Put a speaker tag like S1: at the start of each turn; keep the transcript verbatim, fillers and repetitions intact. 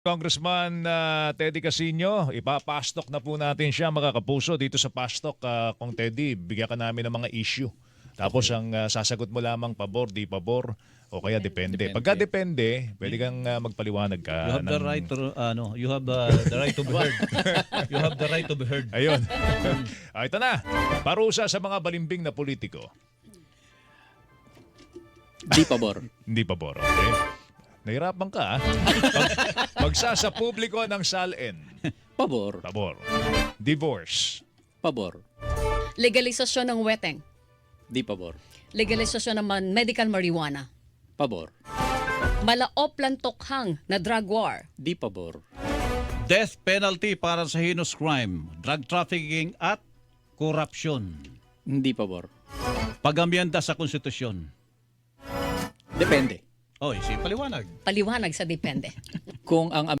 S1: Congressman uh, Teddy Casino, ipapastok na po natin siya mga kapuso dito sa pastok. Uh, kung Teddy, bigyan ka namin ng mga issue. Tapos
S2: Okay.
S1: ang uh, sasagot mo lamang pabor, di pabor, o kaya depende.
S2: Depende.
S1: Pagka depende, pwede kang uh, magpaliwanag ka.
S3: You have the
S1: ng-
S3: right to ano, you have uh, the right to be heard. You have the right to be heard.
S1: Ayun. ah, ito na. Parusa sa mga balimbing na politiko.
S2: Di pabor.
S1: Hindi pabor, okay? Nahirapan ka, ha? Pag, magsasa publiko ng salin.
S2: Pabor.
S1: Pabor. Divorce.
S2: Pabor.
S4: Legalisasyon ng weteng.
S2: Di pabor.
S4: Legalisasyon ng man- medical marijuana.
S2: Pabor.
S4: Malaop lang tokhang na drug war.
S2: Di pabor.
S3: Death penalty para sa heinous crime, drug trafficking at corruption.
S2: Hindi pabor.
S3: Pag-amyenda sa konstitusyon.
S2: Depende.
S3: Oy, si paliwanag.
S4: Paliwanag sa depende.
S2: Kung ang